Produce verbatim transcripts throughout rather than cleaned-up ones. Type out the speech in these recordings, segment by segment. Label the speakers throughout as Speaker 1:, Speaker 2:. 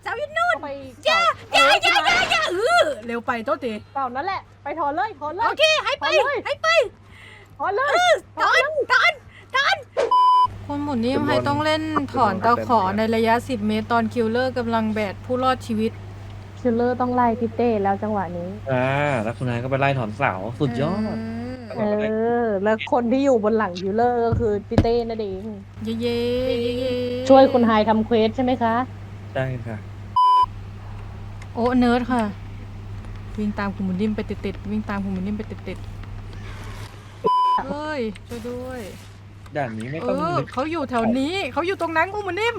Speaker 1: เสาอยู่นู่น
Speaker 2: ไป
Speaker 1: อย่าอย่าอย่าอย่าอย่าเออเร็วไปโทษที
Speaker 2: เสานั่นแหละไปถอนเลยถอนเล
Speaker 1: โอย เคให้ไปให้ไป
Speaker 2: ถอนเลย
Speaker 1: ถอนถอนถอนคนหมุนนิ่มให้ต้องเล่นถอนตะขอในระยะสิบเมตรตอนคิลเลอร์กำลังแบกผู้รอดชีวิต
Speaker 2: คิลเลอร์ต้องไล่พี่เต้แล้วจังหวะนี้
Speaker 3: อ่าแล้วคุณนายก็ไปไล่ถอนเสาสุดยอด
Speaker 2: เออแล้วคนที่อยู่บนหลังคิลเลอร์ก็คือพี่เต้นั่นเอง
Speaker 1: เย่เย่เย่เย่
Speaker 2: ช่วยคุณไฮทำเควสใช่ไหมคะ
Speaker 3: ได้ค่ะ
Speaker 1: โอ้เนิร์ดค่ะวิ่งตามคุณหมุนนิ่มไปติดๆวิ่งตามคุณหมุนนิ่มไปติดๆเฮ้ยช่วยด้วย
Speaker 3: ด่านนี้ไม่
Speaker 1: เอ
Speaker 3: ต้อง
Speaker 1: อ
Speaker 3: นึก
Speaker 1: เขาอยู่แถวนี้เขาอยู่ตรงนั้นคุณหมุนนิ่ม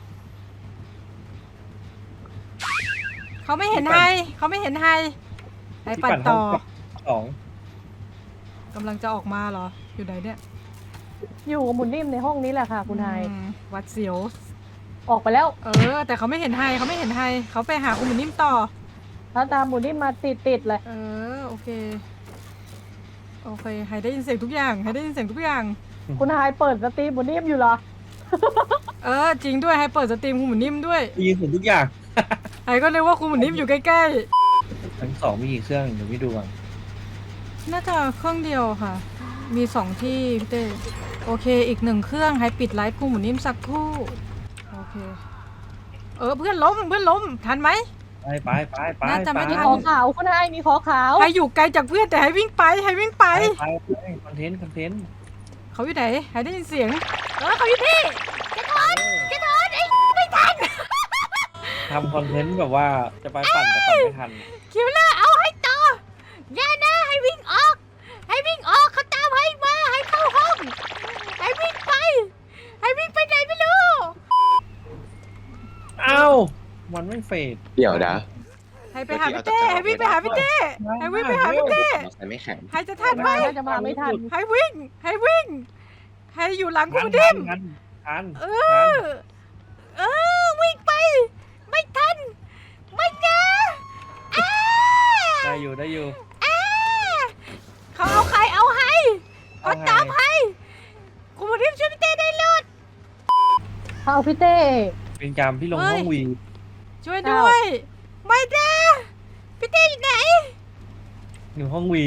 Speaker 1: เขาไม่เห็นไฮเขาไม่เห็นไฮไฮปั่นต่อ
Speaker 3: สอง
Speaker 1: กำลังจะออกมาเหรออยู่ไหนเนี่ย
Speaker 2: อยู่กับหมุนนิ่มในห้องนี้แหละค่ะ คุณไฮ
Speaker 1: อืมหวัดเสียว
Speaker 2: ออกไปแล้ว
Speaker 1: เออ แต่เขาไม่เห็นไฮเขาไม่เห็นไฮเขาไปหาคุณหมุนนิ่มต่อ
Speaker 2: ถ้าตามหมุนนิ่มมาติดติดๆเลย
Speaker 1: เออโอเคโอเคไฮได้ยินเสียงทุกอย่างไฮได้ยินเสียงทุกอย่าง
Speaker 2: คุณไฮเปิดสตรีมหมุนนิ่มอยู่เหรอ
Speaker 1: เออจริงด้วยไฮเปิดสตรีมคุณหมุนนิ่มด้วย
Speaker 3: ได้ยินเสียงทุกอย่าง
Speaker 1: ไฮก็เลยว่าคุณหมุนนิ่มอยู่ใกล้
Speaker 3: ทั้งสองมีกี่เครื่องเดี๋ยวพี่ดูก่อน
Speaker 1: ๆน่าจะเครื่องเดียวค่ะ มีสองที่พี่เต้โอเคอีกหนึ่งเครื่องไฮปิดไลฟ์คุณหมุนนิ่มสักครู่โอเคเออเพื่อนล้มเพื่อนล้มทันไหม
Speaker 3: ไปไปไปไป
Speaker 1: น่าจะไม่
Speaker 3: ไป
Speaker 1: ทั
Speaker 2: มีขอขาวคุณไฮมีขอขาว
Speaker 1: ไฮอยู่ไกลจากเพื่อนแต่ไฮวิ่งไปไฮวิ่งไป
Speaker 3: ไปไปไปคอนเทนต์คอนเทนต์
Speaker 1: เขาอยู่ไหนไฮได้ยินเสียงเออเขาอยู่นี่แกถอนแกถอนไอ้ไม่ทัน
Speaker 3: ทำคอนเทนต์แบบว่าจะไปปั่นแต่ปั่นไม่ทัน
Speaker 1: คิวเลอร์เอาให้ต่ออย่านะให้วิ่งออก ให้วิ่งออกเขาตามให้มาให้เข้าห้อง ให้วิ่งไป ให้วิ่งไปไหนไม่รู้
Speaker 3: เอ้ามันไม่เฟด
Speaker 4: เดี๋ยวนะ
Speaker 1: ให้ไปหาพี่เต้ให้วิ่งไปหาพี่เต้ให้วิ่งไปหาพี่เต้
Speaker 4: มอไซค์ไม่แข็ง
Speaker 1: ให้จะทัน
Speaker 2: คุณ
Speaker 1: ไหม
Speaker 2: ไฮน่าจะมาไม่ทัน
Speaker 1: ให้วิ่ง ให้วิ่ง ให้อยู่หลังคุณดิม
Speaker 3: ทันทัน
Speaker 1: เอ
Speaker 3: ทัน
Speaker 1: อ เออวิ่งไป ไม่ทัน ไม่นะอ้า
Speaker 3: ได้อยู่ได้อยู่
Speaker 1: อ้าเขาเอาใครเอาให้เขา
Speaker 3: เอาให้
Speaker 1: ตามให้คุณดิมช่วยพี่เต้ได้เลย
Speaker 2: เอาพี่เต้
Speaker 3: เป็นการพี่ลงห้องวี
Speaker 1: ช่วยด้วย ไม่นะพี่เต้อยู่ไหน
Speaker 3: อยู่ห้องวี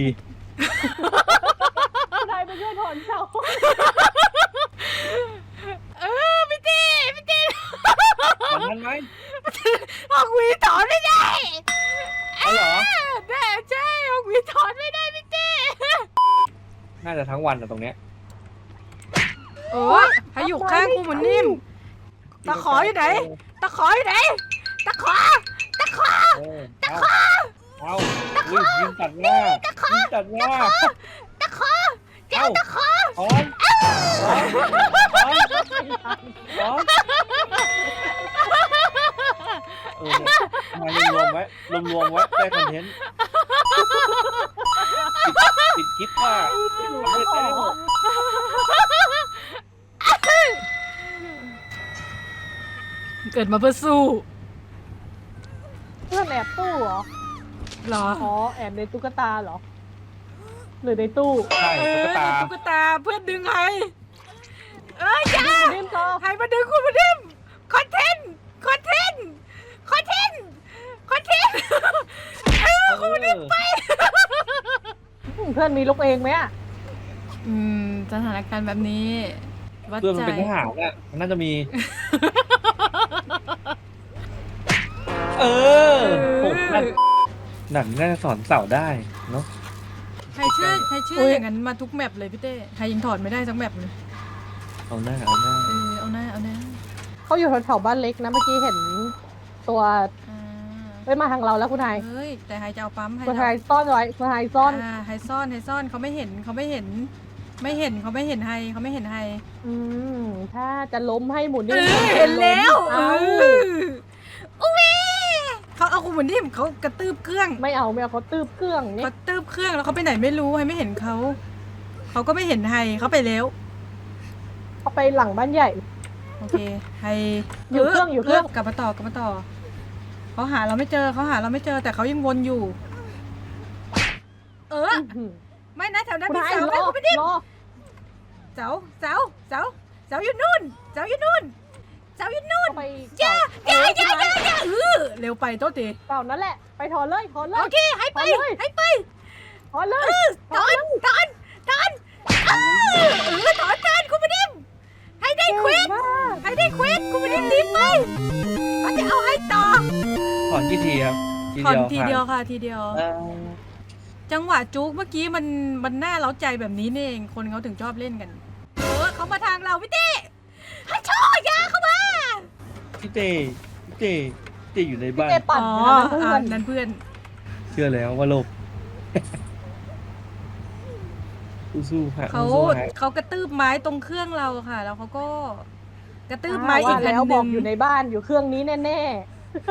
Speaker 2: คุณไฮไปช่วยถอนเสา
Speaker 1: เออพี่เต้พี่เต้
Speaker 3: ตอนนั้นไหม
Speaker 1: ฮอกวีถอนไม่ได้
Speaker 3: เอาเหรอ
Speaker 1: แน่ใช่ฮอกวีถอนไม่ได้พี่เต้
Speaker 3: น่าจะทั้งวันอะตรงเนี้ย
Speaker 1: โอ้ยให้อยู่ข้างกูเหมือนนิ่มตะขออยู่ไหนตะขออยู่ไหนตะขอตะขอ
Speaker 3: เออเอาเอาอุ้ยยิงตัดหน้ายิงตัดหน้า
Speaker 1: ตะขอเจ้าตะขอ
Speaker 3: ถอนถอนถอนถอนเออเนี่ยมารวมๆไว้รวมๆไว้ได้คอนเทนต์ปิดคลิปว่าทำไม่ได้
Speaker 1: เกิดมาเพื่อสู้
Speaker 2: เพื่อนแอบตู้เหรอ
Speaker 1: เหรอ
Speaker 2: อ๋อแอบในตุ๊กตาเหรอ หรือในตู้
Speaker 3: ใช่
Speaker 1: เอ
Speaker 3: ตุ๊
Speaker 1: อก
Speaker 3: ตา
Speaker 1: ตุ๊กตาเพื่อนดึงให้เอ้ยอย่า
Speaker 2: นิ่มต่อ
Speaker 1: ให้มาดึงคุณมาดิมคอนเทนต์คอนเทนต์คอนเทนต์คอนเทนต์เออคุณมาดิมไป
Speaker 2: เพื่อนมีลูกเองไหมอะ
Speaker 1: อืมสถานการณ์แบบนี้วัด
Speaker 3: เพื่อนมั
Speaker 1: ใจ
Speaker 3: นเป็นทหารอ่ะมันน่าจะมี เออผมนั่นหนังน่าจะสอนเสาได้เนาะ
Speaker 1: ใครเชื่อใครเชื่ออย่างนั้นมาทุกแมปเลยพี่เต้ใครยังถอดไม่ได้สักแมปเลย
Speaker 3: เอาหน้าเอาหน้า
Speaker 1: เออเอาหน้าเอาหน้า
Speaker 2: เขาอยู่แถวๆบ้านเล็กนะเมื่อกี้เห็นตัว
Speaker 1: อ่า
Speaker 2: เอ้ยมาทางเราแล้วคุณไฮ
Speaker 1: เฮ้ยแต่ไฮจะเอาปั๊มให้
Speaker 2: คุณไฮซ่อนไว้คุณไฮซ่อน
Speaker 1: อ่าไฮซ่อนไฮซ่อนเขาไม่เห็นเขาไม่เห็น ไม่เห็นเขาไม่เห็นไฮเขาไม่เห็นไฮ
Speaker 2: อืมถ้าจะล้มให้หมุน
Speaker 1: เอ
Speaker 2: นี่
Speaker 1: อเห็นแล้ว
Speaker 2: เอา
Speaker 1: อุ้ยเขาเอาคุณเหมือนที่เขากระตืบเครื่อง
Speaker 2: ไม่เอาไม่เอาเขาตืบเครื่องนี่
Speaker 1: เขาตืบเครื่องแล้วเขาไปไหนไม่รู้ไฮไม่เห็นเขาเขาก็ไม่เห็นไฮเขาไปแล้ว
Speaker 2: เขาไปหลังบ้านใหญ่
Speaker 1: โอเคไฮ
Speaker 2: อยู่เครื่องอยู่เครื่อง
Speaker 1: กลับมาต่อกลับมาต่อเขาหาเราไม่เจอเขาหาเราไม่เจอแต่เขายังวนอยู่ เออ
Speaker 2: อื้อหือ
Speaker 1: ไม่นะแถวนั้น
Speaker 2: คุณ
Speaker 1: มี
Speaker 2: ไฮ
Speaker 1: เสาร ไหม
Speaker 2: อ
Speaker 1: คุณไม่ได้
Speaker 2: รอ
Speaker 1: เสาเสาเสาเสาอยู่นู่นเสาอยู่นู่นเสาอยู่นู่น
Speaker 2: เขาไป
Speaker 1: อย่าอย่าอย่าอย่าอย่าเออเร็วไปโต๊ะตี
Speaker 2: เก่านั่นแหละ ไปถอนเลยถอนเล
Speaker 1: โอย เคให้ไป
Speaker 2: ถอนเลย
Speaker 1: ให้ไป
Speaker 2: ถอนเลย
Speaker 1: ถอนถอนถอนเออเออถอนถอนคุณมาดิมให้ได้เควส
Speaker 2: เก่งมาก
Speaker 1: ให้ได้เควสคุณมาดิมรีบไปเขาจะเอาให้ต่อ
Speaker 3: ถอนกี่ทีครับ
Speaker 1: ถอนทีเดียวค่ะทีเดียว
Speaker 3: เออ
Speaker 1: จังหวะจุกเมื่อกี้มันมันน่าเล้าใจแบบนี้นี่เองคนเขาถึงชอบเล่นกัน เออเขามาทางเราพี่เต้ให้โชว์ยาเข้ามา
Speaker 3: พี่เต้พี่เต้พี่เต้อยู่ในบ้าน
Speaker 2: เต้ปั่น
Speaker 1: อ๋อ
Speaker 2: นะเพื่อ
Speaker 1: อ่ะ
Speaker 2: น
Speaker 1: นั่นเพื่อน
Speaker 3: เชื่อแล้วว่าโลก สู้ๆฮะ
Speaker 1: เขา
Speaker 3: สู้ๆฮะ
Speaker 1: เขากระตืบไม้ตรงเครื่องเราค่ะ แล้วเขาก็กระตืบ
Speaker 2: อ่า
Speaker 1: ไม้อีก
Speaker 2: ว่า
Speaker 1: อัน
Speaker 2: แล้ว
Speaker 1: ห
Speaker 2: บ
Speaker 1: นึ่
Speaker 2: อก
Speaker 1: ง
Speaker 2: อยู่ในบ้านอยู่เครื่องนี้แน่ๆ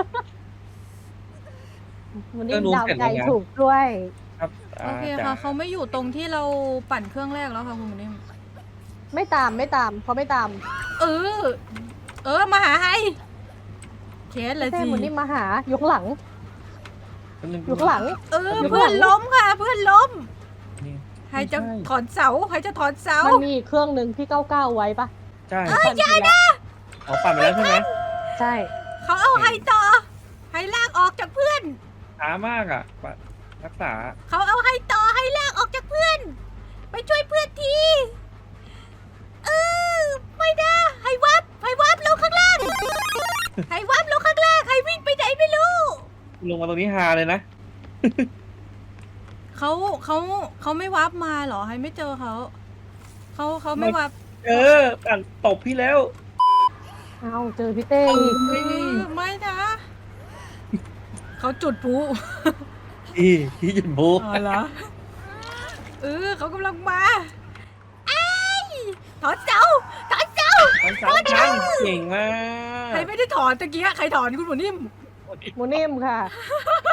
Speaker 2: มันนี่ดาวใจถูกด้วย
Speaker 3: ครับ
Speaker 1: โอเค
Speaker 3: จ๋า
Speaker 1: ค่ะเขาไม่อยู่ตรงที่เราปั่นเครื่องแรกแล้วค่ะคุณนิ่ม
Speaker 2: ไม่ตามไม่ตามเขาไม่ตาม
Speaker 1: เออ เออมาหาไฮเคสเลย
Speaker 2: เต้
Speaker 1: สิ
Speaker 2: เหมือนนี่มาหาอยู่ข้างหลัง
Speaker 3: แป๊บนึง
Speaker 2: อยู่ข้างหลัง
Speaker 1: เออเพื่อนล้มค่ะ เพื่อนล้ม
Speaker 3: นี่
Speaker 1: ใครจะ
Speaker 3: ไม่ใช่
Speaker 1: ถอนเสาใครจะถอนเสา
Speaker 2: มันมีอีกเครื่องหนึ่งที่เก้าเก้าไว้ปะ
Speaker 3: ใช่
Speaker 2: ปั่นไปแล้ว
Speaker 3: อ๋อปั่นไปแล้วใช่ไหม
Speaker 2: ใช่
Speaker 1: เขาเอาไฮต่อไฮลากออกจากเพื่อน
Speaker 3: ช้ามากอ่ะปั่นรักษา
Speaker 1: เขาเอาไฮต่อไฮลากออกจากเพื่อน ไปช่วยเพื่อนทีเออไม่ได้ไฮวับไฮวับลงข้างล่างไฮวับลงข้างล่างไฮวิ่งไปไหนไม่รู้
Speaker 3: ลงมาตรงนี้ฮาเลยนะ
Speaker 1: เขาเขาเขาไม่วับมาเหรอไฮไม่เจอเขาเขาเขาไม่วับ
Speaker 3: เออปั่นตบพี่แล้ว
Speaker 2: เอาเจอพี่เต้อีก
Speaker 1: เออไม่นะเขาจุดพลุ
Speaker 3: พี่พี่หยุดโบ
Speaker 1: อ๋อเหรอเออเขากำลังมาไอ้ยถอนเสาถอนเสา
Speaker 3: มันสามครั้งเก่งมาก
Speaker 1: ใครไม่ได้ถอนตะกี้ใครถอนคุณหมูนิ่ม
Speaker 2: โมนิ่มค่ะ